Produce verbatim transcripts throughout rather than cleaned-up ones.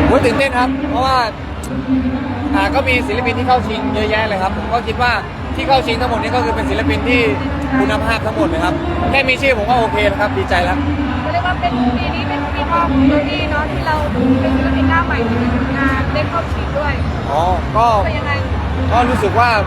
โอ้ยตื่นเต้นครับเพราะว่าอ่าก็มีศิลปินที่เข้าชิงเยอะแยะเลยครับผมก็คิดว่าที่เข้าชิงทั้งหมดนี้ก็คือเป็นศิลปินที่คุณภาพทั้งหมดเลยครับแค่มีชื่อผมก็โอเคแล้วครับดีใจแล้วเรียกว่าเป็นปีนี้เป็นปีทองของโดดี้เนาะที่เราเป็นศิลปินหน้าใหม่ในงานได้เข้าชิงด้วยอ๋อก็เป็นยังไงก็รู้สึกว่า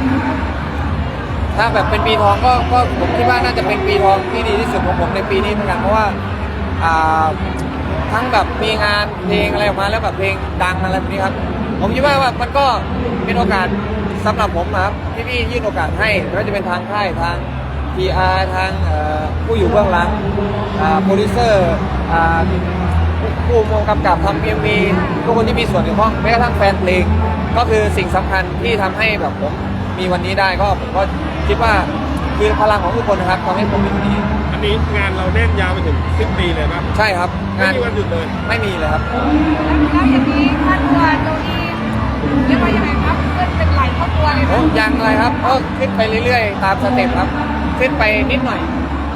ถ้าแบบเป็นปีทองก็ก็ผมคิดว่าน่าจะเป็นปีทองที่ดีที่สุดของผมในปีนี้เหมือนกันเพราะว่าอ่าทั้งแบบมีงานเพลงอะไรออกมาแล้วแบบเพลงดังอะไรแบบนี้ครับผมคิดว่าว่ามันก็เป็นโอกาสสำหรับผมนะครับที่พี่ยื่นโอกาสให้ไม่ว่าจะเป็นทางค่ายทาง พี อาร์ ทางผู้อยู่เบื้องหลังโปรดิวเซอร์ผู้กำกับทำเอ็มวีทุกคนที่มีส่วนเกี่ยวข้องแม้กระทั่งแฟนเพลงก็คือสิ่งสำคัญที่ทำให้แบบผมมีวันนี้ได้ก็ผมก็คิดว่าคือพลังของทุกคนนะครับทำให้ผมมีวันนี้อันนี้งานเราแน่นยาวไปถึงสิ้นปีเลยป่ะใช่ครับงานไม่มีวันหยุดเลยไม่มีเลยครับแล้วอย่างนี้ค่าตัวโดดี้เรียกว่ายังไงครับเพื่อนเป็นไหลเข้าตัวเลยไหมยังเลยครับก็ขึ้นไปเรื่อยๆตามสเต็ปครับขึ้นไปนิดหน่อย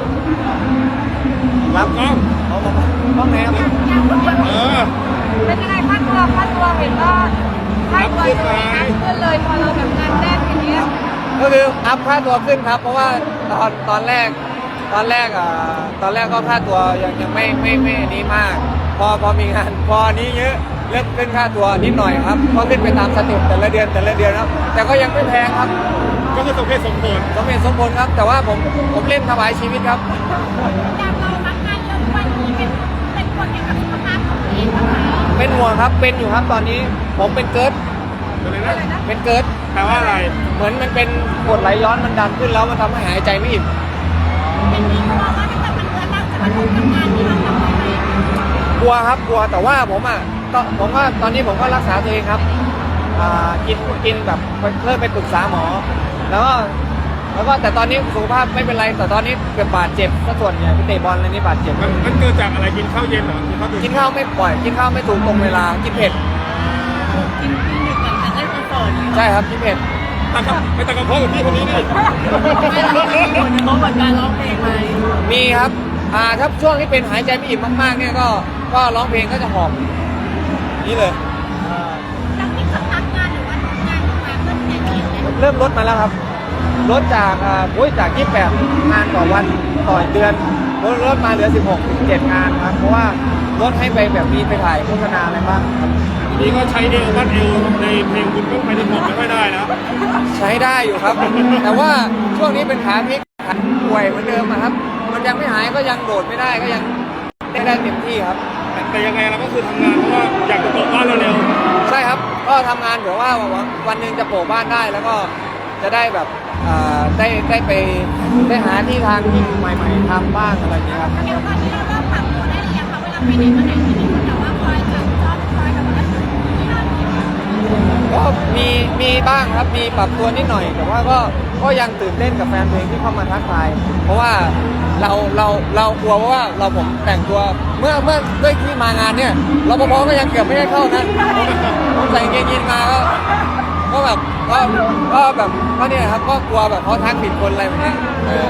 รับกล้องเอามาต้องไหนครับเออเป็นยังไงค่าตัวค่าตัวเห็นว่าค่าตัวจะมีอัพขึ้นเลยพอเราแบบงานแรกอย่างเงี้ยก็คืออัพค่าตัวขึ้นครับเพราะว่าตอนตอนแรกตอนแรกอ่ะตอนแรกก็ค่าตัวยังยังไม่ไม่ไม่นี้มากพอพอมีงานพอนี้เยอะเริ่มขึ้นค่าตัวนิดหน่อยครับก็ขึ้นไปตามสเต็ปแต่ละเดือนแต่ละเดือนครับแต่ก็ยังไม่แพงครับก็คือสมเหตุสมผลสมเหตุสมผลครับแต่ว่าผมผมเล่นถวายชีวิตครับจากเราทำงานเยอะวันนี้เป็นเป็นคนเกี่ยวกับสุขภาพของตัวเองบ้างไหมเป็นห่วงครับเป็นอยู่ครับตอนนี้ผมเป็นเกิร์ดเป็นเกิร์ดแปลว่าอะไรเหมือนมันเป็นกรดไหลย้อนมันดันขึ้นแล้วมันทำให้หายใจไม่อิ่มเป็นนี้กลัวว่าถ้าเกิดมันเกิดเราจะมาทำงานที่เราทำไปกลัวครับกลัวแต่ว่าผมอ่ะก็ผมว่าตอนนี้ผมก็รักษาตัวเองครับอ่ากินกินแบบเริ่มไปปรึกษาหมอแล้วก็แล้วก็แต่ตอนนี้สุขภาพไม่เป็นไรแต่ตอนนี้เกิดบาดเจ็บซะส่วนใหญ่พี่เตะบอลอะไรนี่บาดเจ็บมันมันเกิดจากอะไรกินข้าวเย็นเหรอกินข้าวกินข้าวไม่ปล่อยกินข้าวไม่ถูกตรงเวลากินเผ็ดกินกินดึกหลังจากเล่นคอนเสิร์ตใช่ครับกินเผ็ดตากไปตากระเพาะกับพี่คนนี้นี่ไม่เรามีผลกระทบกับการร้องเพลงไหมมีครับอ่าถ้าช่วงที่เป็นหายใจไม่อิ่มมากๆเนี่ยก็ก็ร้องเพลงก็จะหอบนี่เลยแล้วที่สัมผัสงานหรือว่างานมาเพิ่มแต่เดียวเนี่ยเริ่มลดมาแล้วครับลดจากอ่าโอ้ยจากยี่สิบแปดงานต่อวันต่อเดือนลดลดมาเหลือสิบหกถึงเจ็ดงานครับเพราะว่าลดให้ไปแบบมีไปถ่ายโฆษณาอะไรบ้างครับนี่ก็ใช้เอววัดเอวในเพลงคุณก็ไปได้หมดไม่ค่อยได้นะใช้ได้อยู่ครับแต่ว่าช่วงนี้เป็นขาพลิกขาป่วยเหมือนเดิมครับมันยังไม่หายก็ยังโดดไม่ได้ก็ยังได้ได้เต็มที่ครับแต่ยังไงเราก็คือทำงานเพราะว่าอยากจะโปะบ้านเร็วๆใช่ครับก็ทำงานเผื่อว่าวันหนึ่งจะโปะบ้านได้แล้วก็จะได้แบบได้ได้ไปได้หาที่ทางที่ใหม่ๆทำบ้างอะไรอย่างเงี้ยครับเดี๋ยวตอนนี้เราเริ่มปรับตัวได้หรือยังคะเวลาไปไหนมาไหนที่มีคนแต่ว่าคอยจับจ้องคอยแบบว่าก็มีมีบ้างครับมีปรับตัวนิดหน่อยแต่ว่าก็ก็ยังตื่นเต้นกับแฟนเพลงที่เข้ามาทักทายเพราะว่าเราเราเรากลัวว่าเราผมแต่งตัวเมื่อเมื่อด้วยที่มางานเนี่ยรปภก็ยังเกือบไม่ได้เข้านะผมใส่เกงยีนมาก็ก็แบบก็ก็แบบก็เนี่ยครับก็กลัวแบบเขาทักผิดคนอะไรแบบนี้เออ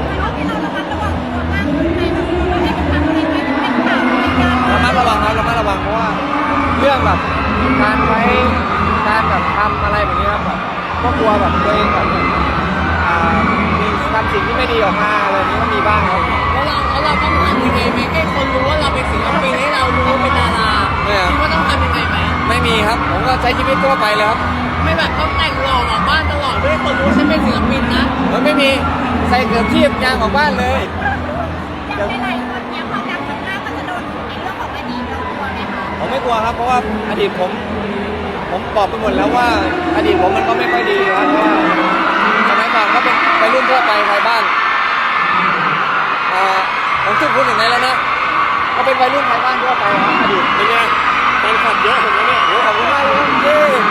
ระมัดระวังครับระมัดระวังเพราะว่าเรื่องแบบการใช้การแบบทำอะไรแบบนี้ครับแบบก็กลัวแบบตัวเองแบบมีทำสิ่งที่ไม่ดีออกมาอะไรนี้ก็มีบ้างครับแล้วเราแล้วเราต้องทำยังไงไหมให้คนรู้ว่าเราเป็นศิลปินให้เรารู้ว่าเป็นดาราคิดว่าต้องทำยังไงไหมไม่มีครับผมก็ใช้ชีวิตทั่วไปเลยครับไม่แบบต้องแต่งหล่อออกบ้านตลอดด้วยคนรู้ฉันเป็นศิลปินนะมันไม่มีใส่เกือบชีพยางออกบ้านเลยอย่างไรคนเนี้ยพอดังมากๆก็จะโดนในเรื่องของอดีตเรากลัวไหมคะผมไม่กลัวครับเพราะว่าอดีตผมผมบอกไปหมดแล้วว่าอดีตผมมันก็ไม่ค่อยดีครับเพราะว่าสมัยก่อนก็เป็นไปรุ่นทั่วไปไทยบ้านอ่าผมจุดพูดถึงไหนแล้วนะก็เป็นวัยรุ่นไทยบ้านทั่วไปครับอดีตเป็นไงแฟนคลับเยอะผมเนี่ยโอ้ขอบคุณมากเลยที่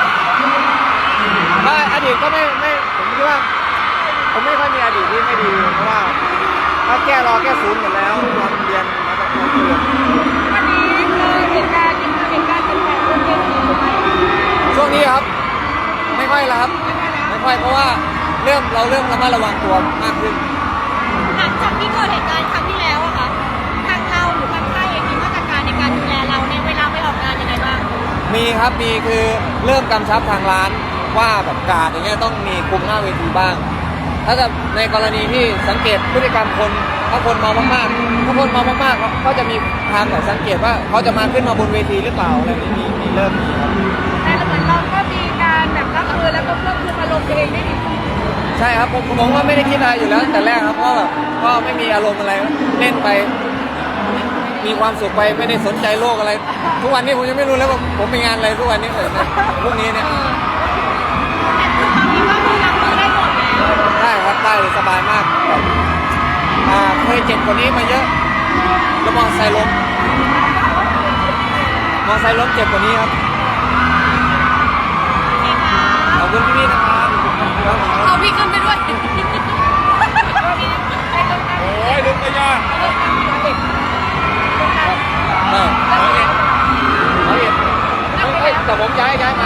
ถ้าอดีตก็ไม่ไม่ผมคิดว่าผมไม่ค่อยมีอดีตที่ไม่ดีเพราะว่าถ้าแก้รอแก้ศูนย์หมดแล้วตอนเรียนมาตั้งแต่เรียนวันนี้คือเหตุการณ์เหตุการณ์เป็นแบบรุ่นเจนซีช่วงนี้ครับไม่ค่อยแล้วครับไม่ค่อยเพราะว่าเริ่มเราเริ่มระมัดระวังตัวมากขึ้นหลังจากที่เกิดเหตุการณ์ครั้งที่แล้วอะค่ะทางเราหรือทางค่ายเองมีมาตรการในการดูแลเราในเวลาไปออกงานยังไงมีครับมีคือเริ่มกำชับทางร้านว่าแบบการอย่างเงี้ยต้องมีคุมหน้าเวทีบ้าง ถ้าจะในกรณีที่สังเกตพฤติกรรมคนถ้าคนเมามากๆถ้าคนเมามากๆเขาจะมีทางแบบสังเกตว่าเขาจะมาขึ้นมาบนเวทีหรือเปล่าอะไรนี้มีมีเริ่มมีครับแต่เหมือนเราก็มีการแบบรับมือแล้วก็ควบคุมอารมณ์ตัวเองได้ดีใช่ครับผมผมว่าไม่ได้คิดอะไรอยู่แล้วตั้งแต่แรกครับเพราะแบบก็ไม่มีอารมณ์อะไรเล่นไป มีความสุขไปไม่ได้สนใจโลกอะไร ทุกวันนี้ผมยังไม่รู้แล้วว่าผมมีงานอะไรทุกวันนี้เลยนะพวกนี้เนี่ยตอนนี้ก็คือรับมือได้หมดแล้วได้ครับได้เลยสบายมากแบบอ่าเคยเจ็บกว่านี้มาเยอะแล้วมอไซค์ล้มมอไซค์ล้มเจ็บกว่านี้ครับขอบคุณพี่ๆนะครับครับผมเอาพี่ขึ้นไปด้วยโอ้ยลุกก็ยากได้ร้อยเอ็ดร้อยเอ็ดเฮ้ยแต่ผมย้ายย้ายมา